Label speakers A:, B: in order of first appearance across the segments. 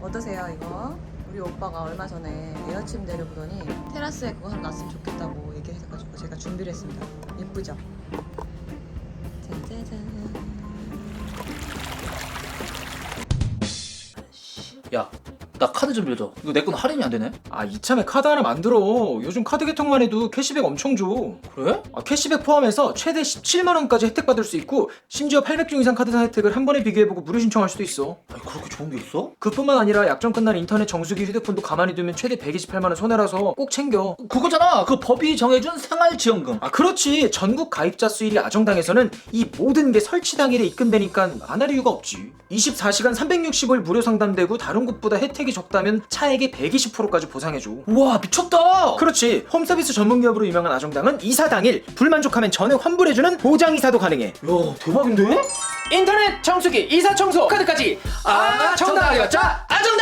A: 어떠세요 이거? 우리 오빠가 얼마 전에 에어 침대를 보더니 테라스에 그거 하나 놨으면 좋겠다고 얘기해가지고 제가 준비를 했습니다. 예쁘죠? 짜자잔.
B: 야, 나 카드 좀 빌려줘. 이거 내 건 할인이 안 되네?
C: 아 이참에 카드 하나 만들어. 요즘 카드 개통만 해도 캐시백 엄청 줘.
B: 그래?
C: 캐시백 포함해서 최대 17만원까지 혜택 받을 수 있고 심지어 800종 이상 카드사 혜택을 한 번에 비교해보고 무료 신청할 수도 있어.
B: 아니, 그렇게 좋은 게 있어?
C: 그뿐만 아니라 약정 끝날 인터넷 정수기 휴대폰도 가만히 두면 최대 128만원 손해라서 꼭 챙겨.
B: 그거잖아. 그 법이 정해준 생활지원금.
C: 아 그렇지. 전국 가입자 수일이 아정당에서는 이 모든 게 설치 당일에 입금되니까 안 할 이유가 없지. 24시간 365일 무료 상담되고 다른 곳보다 혜택이 적다면 차액의 120%까지 보상해줘.
B: 우와, 미쳤다.
C: 그렇지. 홈서비스 전문기업으로 유명한 아정당은 이사 당일 불만족하면 전액 환불해주는 보장 이사도 가능해.
B: 야, 대박인데?
C: 인터넷 청소기 이사 청소 카드까지 정당 알려자 아정당.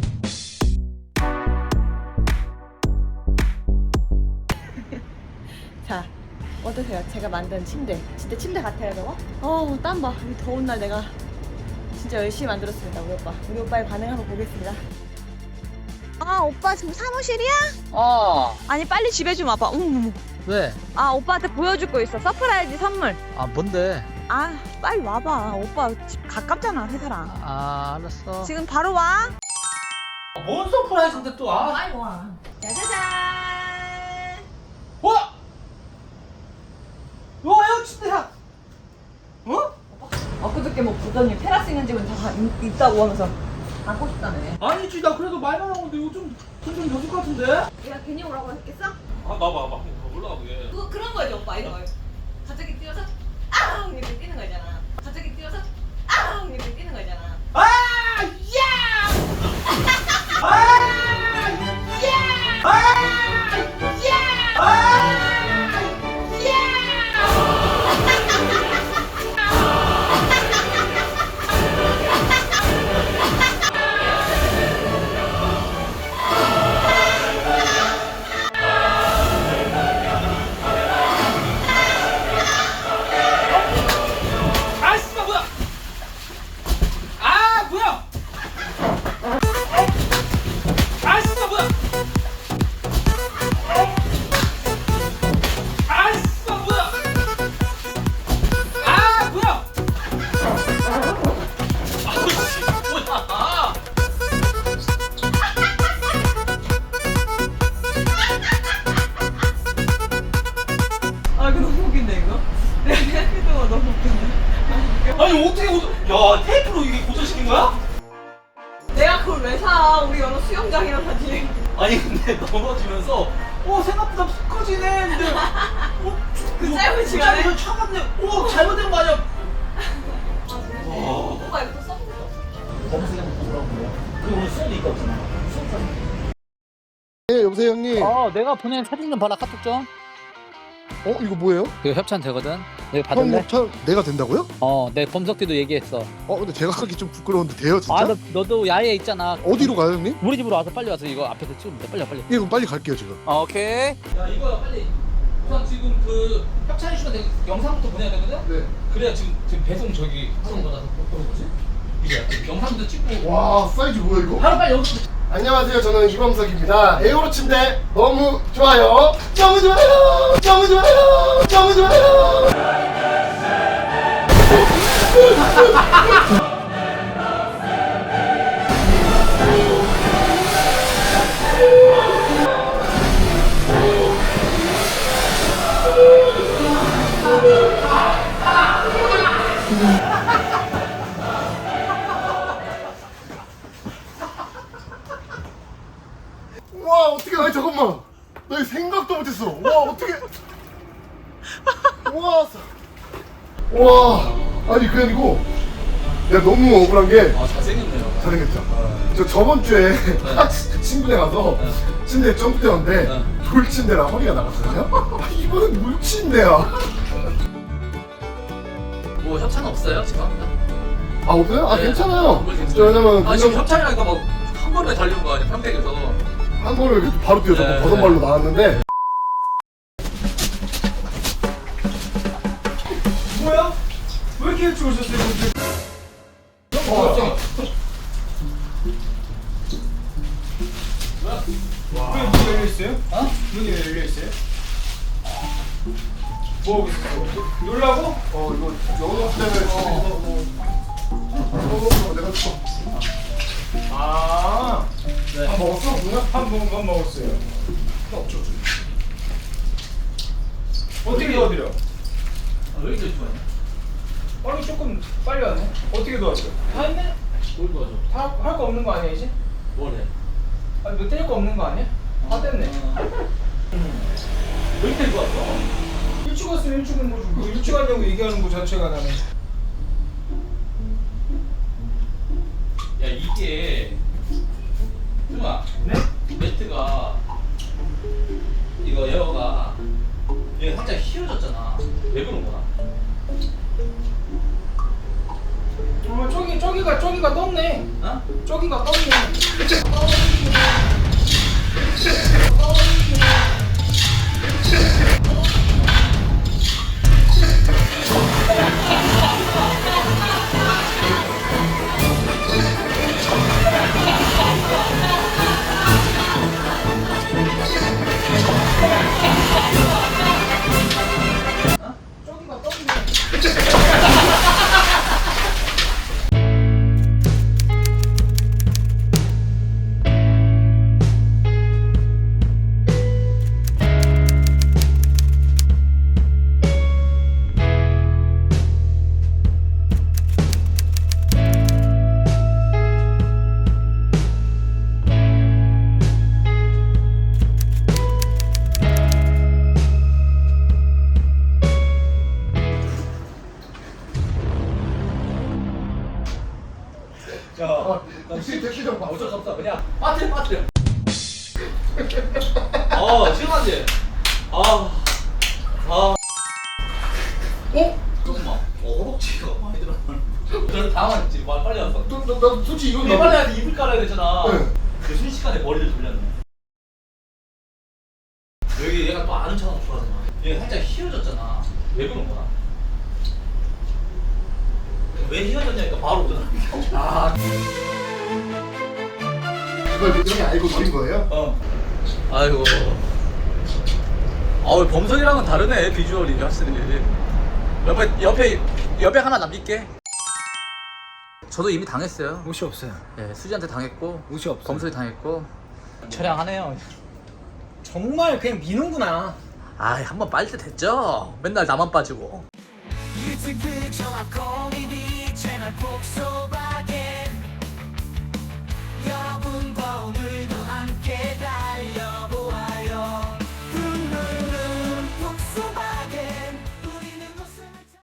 A: 자, 어떠세요? 제가 만든 침대. 진짜 침대 같아요, 저거? 땀 봐. 이 더운 날 내가 진짜 열심히 만들었습니다, 우리 오빠. 우리 오빠의 반응 한번 보겠습니다. 아, 오빠 지금 사무실이야? 아니, 빨리 집에 좀 와봐.
D: 왜?
A: 아, 오빠한테 보여줄 거 있어. 서프라이즈 선물.
D: 아 뭔데?
A: 아, 빨리 와봐. 오빠 집 가깝잖아, 회사랑.
D: 아 알았어.
A: 지금 바로 와.
B: 뭔 서프라이즈인데 또?
A: 빨리 와. 짜자잔.
B: 와! 와, 야, 침대야.
A: 엊그저께 뭐 보더니 테라스 있는 집은 다 있다고 하면서 갖고 싶다며.
B: 아니지, 나 그래도 말만 하고 근데 이거 좀 여줄 것 같은데?
A: 내가 괜히 오라고 했겠어?
B: 아, 봐봐. 올라가 보게.
A: 그런 거지 오빠 이거. 갑자기 뛰어서 아 이렇게 뛰는 거잖아. 갑자기 뛰어서 아 이렇게 뛰는 거잖아.
B: 아! 야! 아! 야! 아! 야! 아!
A: 아 이거 너무 웃긴데 이거. 내가 생각했던 거 너무 웃긴데.
B: 아니 어떻게 야, 테이프로 이게 고정시킨 거야?
A: 내가 그걸 왜 사? 우리 여러 수영장이랑 같이.
B: 아니 근데 넘어지면서 생각보다 푹 커지네. 근데
A: 그 짧은 시간에?
B: 짧은 차갑네. 잘못된 거 아니야?
A: 오빠 이거 또 써보고.
B: 검색해 놓고 뭐라고. 그리고 오늘 수업도 있고 없잖아.
E: 네, 여보세요 형님.
D: 내가 보낸 사진 좀 봐라 카톡 좀.
E: 이거 뭐예요?
D: 이거 협찬 되거든. 내가
E: 형
D: 받을래?
E: 협찬 내가 된다고요?
D: 내 범석띠도 얘기했어.
E: 근데 제가 하기 좀 부끄러운데 돼요 진짜?
D: 너도 야외에 있잖아.
E: 어디로 가요 형님?
D: 우리 집으로 와서 빨리 와서 이거 앞에서 찍으면 돼. 빨리.
E: 예, 그럼 빨리 갈게요 지금.
D: 오케이.
B: 야, 이거 빨리. 우선 지금 그 협찬해 주면 돼. 영상부터 보내야 되거든.
E: 네.
B: 그래야 지금 배송 저기 하는 거라서 뭐지? 이게 영상도 찍고.
E: 와 사이즈 뭐야 이거?
B: 바로 빨리 여기서.
E: 안녕하세요 저는 이범석입니다. 에어로 침대 너무 좋아요. 너무 좋아요. 너무 좋아요. 너무 좋아요. 와 어떻게 아니 잠깐만 나 이거 생각도 못했어. 와 어떻게 와 아니 그게 아니고 내가 너무 억울한 게
B: 잘생겼네요.
E: 잘생겼죠. 저 저번 주에 친구네 가서 침대 점프대였는데 돌침대라 허리가 나갔거든요. 이번엔 물침대야.
B: 뭐 협찬 없어요 지금?
E: 없어요?
B: 네.
E: 괜찮아요.
B: 괜찮아요.
E: 왜냐면
B: 지금 협찬이라니까 막 한 번에 달려온 거 아니야 평택에서.
E: 한 번을 이렇게 바로 뛰어서
B: 네,
E: 버선발로 나왔는데
C: 뭐야? 왜 이렇게 일찍 오셨어요? 문이 왜 열려 있어요? 뭐 하고 있어? 놀라고?
E: 이거 영어 때문에 내가 또
C: 아,
E: 밥 먹었어? 누나?
C: 밥 먹었어요. 어떻게 도와드려?
B: 왜 이렇게 좋아해?
C: 빨리 조금 빨리 왔네. 어떻게 도와드려? 다 했네?
B: 뭘 도와줘?
C: 다 할 거 없는 거 아니야 이제?
B: 뭘 해?
C: 아니 뭐 뗄 거 없는 거 아니야? 다 됐네.
B: 왜 이렇게 좋았어?
C: 일찍 왔으면 일찍 온 거지. 뭐 일찍 왔냐고 얘기하는 거 자체가 나는.
B: 야 이게 승아
C: 네?
B: 매트가 이거 에어가 얘 살짝 휘어졌잖아. 왜 그런 거야?
C: 저기가 떴네.
B: 어?
C: 저기가 떴네. 저기가 떴네.
E: 택시 좀 봐.
B: 어쩔 수 없어. 그냥 빠뜨려. 시원하지? 조금만. 허벅지가 많이 들어. 저는 당황했지. 빨리 왔어.
E: 나 솔직히 이건
B: 우리 빨리 와서 이불 깔아야 되잖아.
E: 네.
B: 그 순식간에 머리를 돌렸네. 여기 얘가 또 아는 척하고 좋아하잖아. 얘가 살짝 휘어졌잖아. 왜 그런 거야? 왜 휘어졌냐니까 바로 오잖아.
E: 이걸 형이 알고 노린 거예요?
B: 아이고. 범석이랑은 다르네 비주얼이 확실히. 옆에 하나 남길게. 저도 이미 당했어요.
C: 옷이 없어요.
B: 예, 수지한테 당했고,
C: 옷이 없어요.
B: 범석이 당했고. 처량하네요.
C: 정말 그냥 미는구나.
B: 한번 빠질 때 됐죠. 맨날 나만 빠지고.
F: 일찍 늦어와 고민이 채널 폭소바